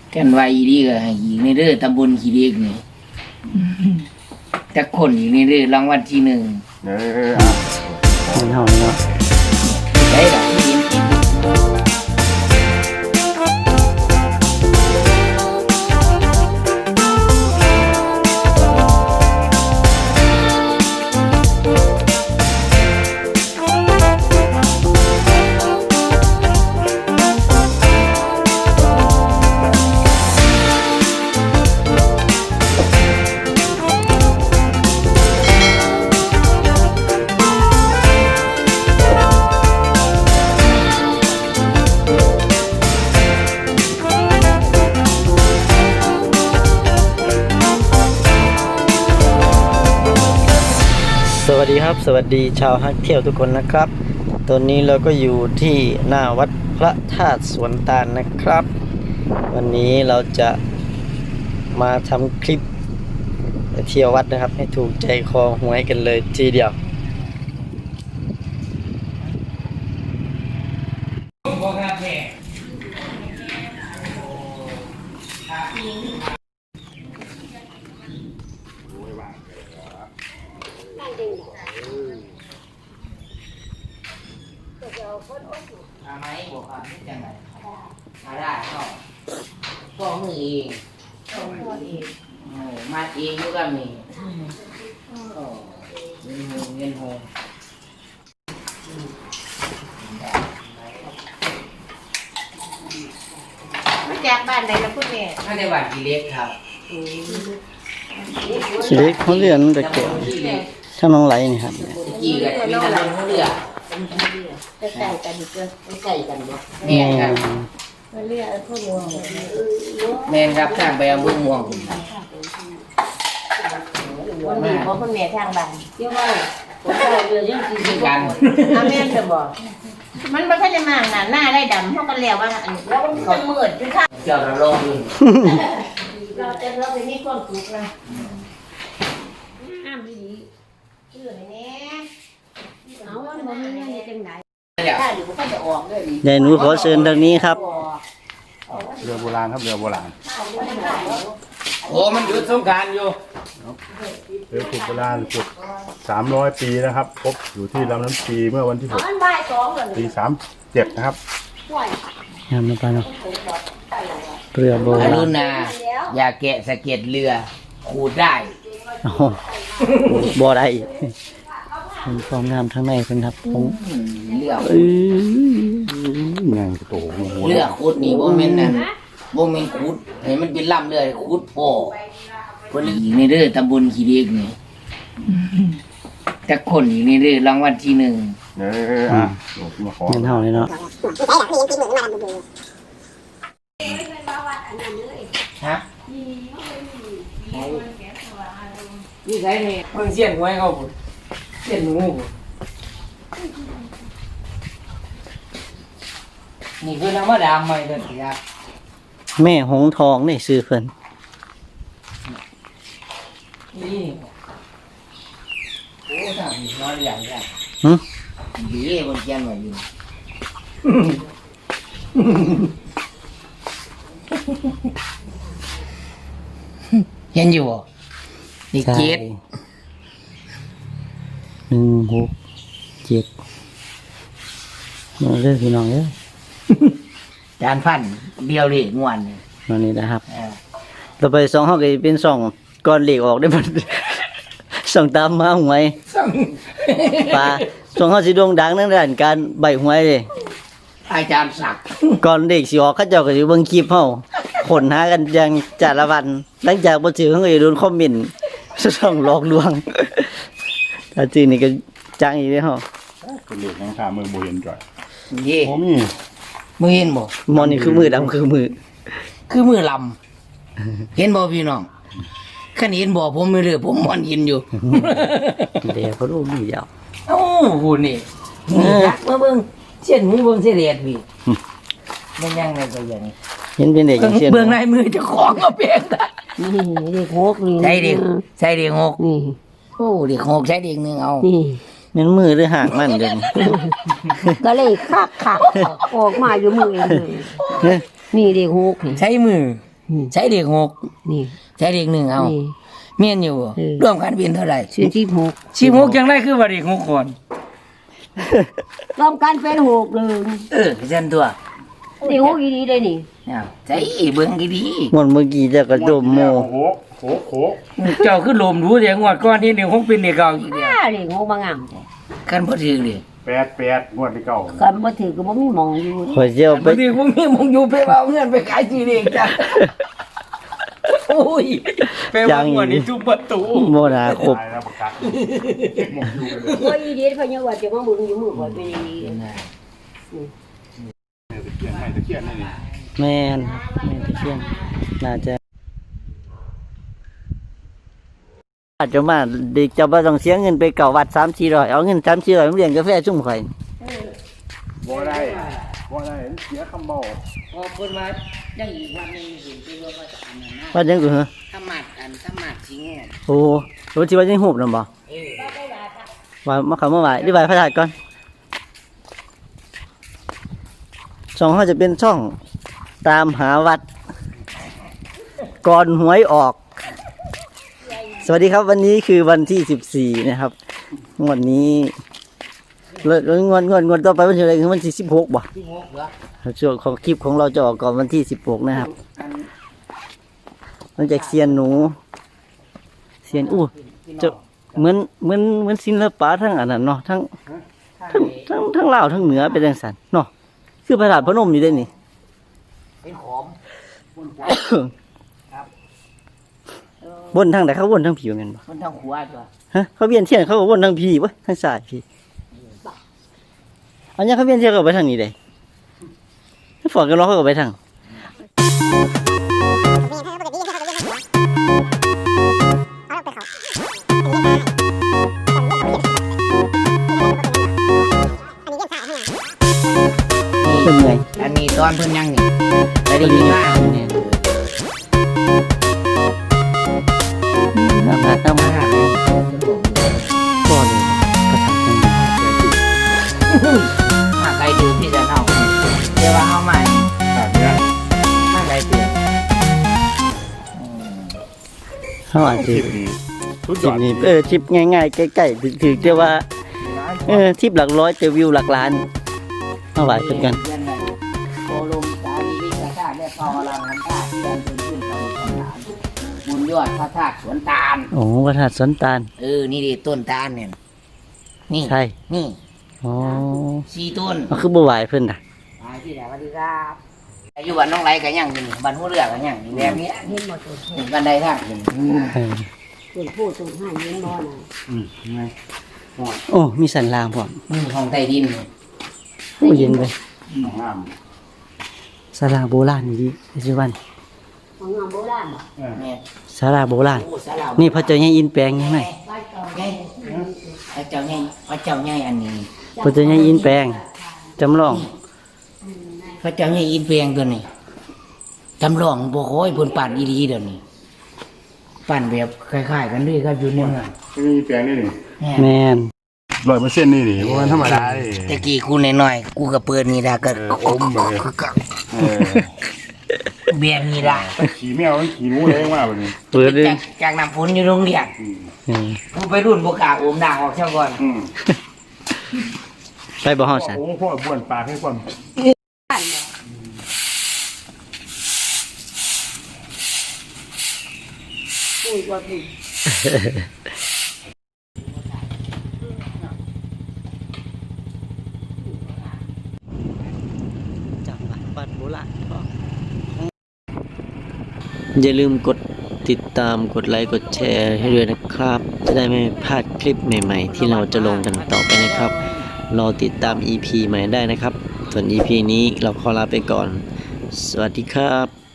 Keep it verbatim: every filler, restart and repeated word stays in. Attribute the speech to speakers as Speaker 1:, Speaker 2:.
Speaker 1: กันไว้ดีก็ให้อีกในเด้อตำบลขี้เล็กนี่จักคนอีกในเด้อรางวัลที่หนึ่งเอออ่ะเงินเฮาเนาะได้ดอกกินกิน
Speaker 2: สวัสดีครับสวัสดีชาวฮักเที่ยวทุกคนนะครับตอนนี้เราก็อยู่ที่หน้าวัดพระธาตุสวนตาลนะครับวันนี้เราจะมาทำคลิปไปเที่ยววัดนะครับให้ถูกใจคอหวยกันเลยทีเดียว
Speaker 1: มาไหมบอกครับนี่จังไงมาได้ก็ก็มือเองก็มือเองมาเองอยู่กับนี่ก็เงินโฮเงินโฮ
Speaker 3: มาจากบ้านไหนล่ะคุณแม่
Speaker 1: มาในบ้านขี้เล็กครับ
Speaker 2: ชีวิตเขาเรียนแต่เกี่ยวถ้าน้องไหลนี่ครับ
Speaker 1: กี่กันมีแต่ลงเรือ
Speaker 3: ใกล้ๆกันอีกเด้อใกล้ๆกันบ่
Speaker 1: แม่ครับ
Speaker 3: มาเรียกพวกนี้
Speaker 1: แม่ครับทางไปอำเภอม่วง
Speaker 3: วันนี้บ่คุณแม่ทางบ้านเดี๋ยวว่าผมใส่เรือยังสิ
Speaker 1: กัน
Speaker 3: อาแม่นจะบอกมันบ่ทันได้มากน่ะหน้าได้ดำเฮาก็แล้วว่าอันนี้แล้วมันจะมืดอยู่ค่ะ
Speaker 1: เจ้าเราลงอยู่
Speaker 3: เราจะเราไปมีความสุขนะห้ามดีชื่อไหนแน่เอาว่าบ่มีเงินจังได๋ถ้าอยู่บ่ทันจะออกเด้อนี่
Speaker 2: ยายหนูขอเชิญทางนี้ครับ
Speaker 4: เรือโบราณครับเรือโบราณ
Speaker 1: โอ้มันหยุดสงกรานต์อยู่
Speaker 4: เรือขุดโบราณขุดสามร้อยปีนะครับพบอยู่ที่ลำน้ำชีเมื่อวันที่หก
Speaker 3: มันบ่ายสองแล้ว
Speaker 4: ปีสามเจ็ดนะครับ
Speaker 3: ห่วย
Speaker 2: งามมาปาเนาะเรือโบ
Speaker 1: อ
Speaker 2: รา
Speaker 1: รุ
Speaker 2: ณ
Speaker 1: ณาอย่าแกะสะเก็ดเรือขูดได้
Speaker 2: โอ้โหบ่ได้เป็นความงามทั้งในเพิ่นครับผม
Speaker 1: เรือ
Speaker 2: เอ้ย
Speaker 4: ไงกระโตหัว
Speaker 1: เรือขุดนี่บ่แม่นนั่นบ่แม่นขุดให้มันเป็นลำเรือขุดพ่อเพิ่นอีกในเด้อตำบลขี้เล็กนี่จักคนอีกในเด้อรางวัลที่หนึ่ง
Speaker 4: เอออ่ะมาขอ
Speaker 2: เงินเฮาเลยเนาะ
Speaker 1: ฮะนี่ใช่นี่เพิ่งเสียนหวยเขาพุ่นเสียนหนูพุ่นนี่คือธรรมดาใหม่เด้อสิครับ
Speaker 2: แม่หงทองนี่ซื้อเพิ่น
Speaker 1: นี่โอ้ทางนี้น้อยใหญ่ใหญ่
Speaker 2: หึ
Speaker 1: ดีบนเกียนไว้อยู่เห็นอยู่บ่นี่เจ็ด
Speaker 2: หนึ่งหกเจ็ดมาเด้อพี่น้องเด้อ
Speaker 1: จานพันเดียวเลยงวนนี่
Speaker 2: มานี่นะครับ
Speaker 1: เออ
Speaker 2: ต่อไปสองเฮาก็สิเป็นสองก้อนเหล็กออกได้บ่ สองตามมาหวย
Speaker 1: สั่ง
Speaker 2: ปลาสองเฮาสิโด่งดังในด้านการใบหวยเด้
Speaker 1: อาจารย์ศักดิ์
Speaker 2: ก่อนเด็กสิออกเขาเจ้าก็สิเบิ่งคลิปเฮาขนหากันอย่างจ้าละวัน หลังจากบ่ซื้อเขาก็จะโดนคอมเมนต์ ช่องหลอกลวง ถ้าจริงนี่ก็จังอีกเด้อเฮา
Speaker 4: เป็นเรือข้างข้ามือโบเห็นจ่อย
Speaker 1: นี่
Speaker 4: โอ้มี
Speaker 1: มือเห็นบ่
Speaker 2: มอนี่คือมือดำคือมือ
Speaker 1: คือมือลำเห็นบ่พี่น้องขันเห็นบ่ผมไม่เลือผมมอนยินอยู่
Speaker 2: เดี๋ยวเขารู้ดียาว
Speaker 1: โอ้โหนี่นี่ครับมาเบิ่งเส้นหูเบิ่งเส้นเลียดพี่มันยังไงก็ยัง
Speaker 2: เห็นเป็นเด็กอย่างเช่น
Speaker 1: เบิ่งในมือเจ้าของก็เปลี่ยนได้
Speaker 3: นี่เด็กหกนี่
Speaker 1: ใช่เด็กใช่เด็กหก
Speaker 3: นี่
Speaker 1: โอ้เด็กหกใช่เด็กหนึ่งเอา
Speaker 3: นี่
Speaker 2: แม่นมือหรือหางมันเด้อ
Speaker 3: ก็เลยคักคักออกมาอยู่มือเองเลยนี่เด็กหกนี่
Speaker 1: ใช้มือใช้เด็กหก
Speaker 3: นี่
Speaker 1: ใช้เด็กหนึ่งเอา
Speaker 3: นี่
Speaker 1: เมียนอยู่บ่
Speaker 3: เออ
Speaker 1: ร่วมกันเป็นเท่าไหร่
Speaker 3: ชื่อที่หก
Speaker 1: สิบหกยังได้คือว่าเด็กหกคน
Speaker 3: รวมกันเป็นหกเลย
Speaker 1: เออเช่นตัว
Speaker 3: นี่หกอีดีเลยนี่
Speaker 1: เนี่ยใช้เบิ่งดี
Speaker 2: งอนเมื่อกี้จะกระโดมโม
Speaker 4: โอ้โหโหโห
Speaker 1: ๆเจ้าคือลมรู้เดี๋ยวงวดก่อนที่เด็กหกเป็นเด็กเก่าอีกเดียว
Speaker 3: อ้าเลยหกบางงามแต่
Speaker 1: กันบ่ถือเลย
Speaker 4: แปดแปดงวดที่เก่า
Speaker 3: กันบ่ถือก็บ่มีหมองอยู่
Speaker 2: ขอยเจียวไป
Speaker 1: บางทีผมมีมึงอยู่ไปเอาเงินไปขายจีเด็กจ้ะโอ้ยไปวางงวดนี้ทุบประตู
Speaker 2: โมนาครบ
Speaker 4: ตายแล้วประกาศหมกอยู่กันเลย
Speaker 3: ว่าอีดีเพิ่นยังว่าจะมาเบิ่งอยู่มือบ่เป็นอีดี
Speaker 4: ตะเคียนให้ตะเคียนนี่นี่
Speaker 2: แม่นแม่นตะเคียนน่าจะอาจจะมาเด็กจะบ่ต้องเสียเงินไปเก่าวัดสามสี่ร้อยเอาเงินสามสี่ร้อยมาเลี้ยงกาแฟชุ่มข่อย
Speaker 4: บ่ได้บ่ได้เสียคำบอก
Speaker 1: พอเพิ่นมายังอีกวันนึงเห็นไปว่าว่าจะอันนั้นนะ
Speaker 2: ว่าจังกูเหรอ
Speaker 1: ถ้ามัดอันถ้ามัดสิแง่
Speaker 2: โอ้โหสิว่าจังหูบนำบ่
Speaker 1: เออ
Speaker 2: ว่ามาเข้ามาไหว้หรือไหว้พระธาตุก่อนช่องเฮาจะเป็นช่องตามหาวัด ก่อนหวยออก สวัสดีครับวันนี้คือวันที่สิบสี่นะครับงวดนี้แล้วงวดงวดงวดต่อไปวันที่อะไรคือวันที่สิบหกบ่
Speaker 1: ที่งกเหรอ
Speaker 2: ช่วงของคลิปของเราจะออกก่อนวันที่สิบหกนะครับ
Speaker 1: อัน
Speaker 2: มันจากเซียนหนูเซียนอู้จะเหมือนเหมือนเหมือนศิลปะทั้งอันนั้นเนาะทั้ง
Speaker 1: ทั้ง
Speaker 2: ทั้งทั้งทั้งลาวทั้งเหนือเป็นจังซั่นเนาะคือพระธาตุพนมอยู่ได้นี่
Speaker 1: เป็นขอม
Speaker 2: บนทางไหนเขาบนทางผีเหมือนกันบ่
Speaker 1: มันทั้งขวาจ้ะ
Speaker 2: ฮะเขาเวียนเทียนเขาก็บนทางผีบ่ทางซ้ายผีอันนี้เขาเวียนเทียนก็ไปทางนี้ได้ถ้าฝอกันเนาะเขาก็ไปทางเป็นไง
Speaker 1: อันนี้ตอนเพิ่นยังนี่แต่ดีมากเนี่ย
Speaker 2: น้ำหนักน้ำหนักก่อนกระถางจัง
Speaker 1: หากใครดื่มพี่จะเน่าเดี๋ยวว่าเฮาใหม่
Speaker 4: แบบเนี้ย
Speaker 1: ถ้าใครเตือน
Speaker 2: เขาอาจจะ
Speaker 4: คลิปนี้สุด
Speaker 2: ค
Speaker 4: ย
Speaker 2: ลิ
Speaker 4: อ
Speaker 2: ป
Speaker 4: ด
Speaker 2: นี้เออคลิปง่ายๆใกล้ๆถึงถึงจะว่าเออคลิปหลักร้อยแต่วิวหลักล้านเอาไว้เพื่อนกัน
Speaker 1: เรียนอะไรโคลมสาลีวิกาชาติและพอลังน้ำตาที่เดินขึ้นขึ้นไปสวนตาลบุญยอดพระธาตุสวนตาล
Speaker 2: โอ้พระธาตุสวนตาล
Speaker 1: เออนี่ดิต้นตาลเนี่ยนี่
Speaker 2: ใช่
Speaker 1: นี่
Speaker 2: อ๋อ
Speaker 1: สี่ต้น
Speaker 2: เอาคือบ่ไหวเพิ่นน่ะ
Speaker 1: ไปที่ไหนสวัสดีครับอายุวันน้องไรกันยังอยู่นี่บ้านหัวเรือกันยังนี่แบบนี้
Speaker 3: เห็นบ่ตัว
Speaker 1: นี่กันไดทางนี่
Speaker 2: เออ
Speaker 3: ตัวผู้ตัวห้าเห็นบ่น่ะ
Speaker 4: อืมไง
Speaker 2: โอ้มีสันรางพร้อม
Speaker 1: นี่ห้องใต้ดินนี่
Speaker 2: โอ้เย็นไป
Speaker 4: น้องงาม
Speaker 2: ศาลาโบราณนี่ดิปัจจุบัน
Speaker 3: ของงามโบราณบ่
Speaker 4: เออ
Speaker 1: เนี่ย
Speaker 2: ศาลาโบราณ
Speaker 1: โอ้สารา
Speaker 2: นี่พระเจ้าใหญ่อินแปลงยังไง
Speaker 3: บ้านเก่า
Speaker 1: ไงพระเจ้าใหญ่พระเจ้าใหญ่อันนี้
Speaker 2: พระเจ้าใหญ่อินแปลงจำลอง
Speaker 1: พระเจ้าใหญ่อินเปียงตัวนี้จำลองบ่โอยเพิ่นปั่นอีดีเดี๋ยวนี้ปั่นแบบคล้ายๆกันด้วยครับอยู่เนี่ย
Speaker 4: ไม่มีแปลงนี่นี่
Speaker 2: แม่น
Speaker 4: ร้อยเปอร์เซ็นต์นี่นี่เพราะมันธรรมดาดิ
Speaker 1: ตะกี้กูน้อยๆกูก็เปิดนี่ดาก็
Speaker 4: เอออมไปเลย เออ
Speaker 1: เบียงนี่ดา
Speaker 4: ขี่แมวมันขี่งูเลยมากแบบนี้
Speaker 2: เปิดเลย
Speaker 1: จากจากน้ำฝนอยู่โรงเรียน
Speaker 4: อืม
Speaker 2: อืม
Speaker 1: กูไปรุ่นบ่กล้าอมด่างออกเท่าก่อน
Speaker 4: อืม
Speaker 2: ไปบ่ฮอดสัน
Speaker 4: โอ้โหพ่อบ้วนปากให้คน
Speaker 3: บ้านบ่ปุ้ยว่าปุ้ย
Speaker 2: จังหวัดบ้านโบราณอย่าลืมกดติดตามกดไลค์กดแชร์ให้ด้วยนะครับ จะได้ไม่พลาดคลิปใหม่ๆ ที่เราจะลงกันต่อไปนะครับ รอติดตาม อี พี ใหม่ได้นะครับ ส่วน อี พี นี้เราขอลาไปก่อน สวัสดีครับ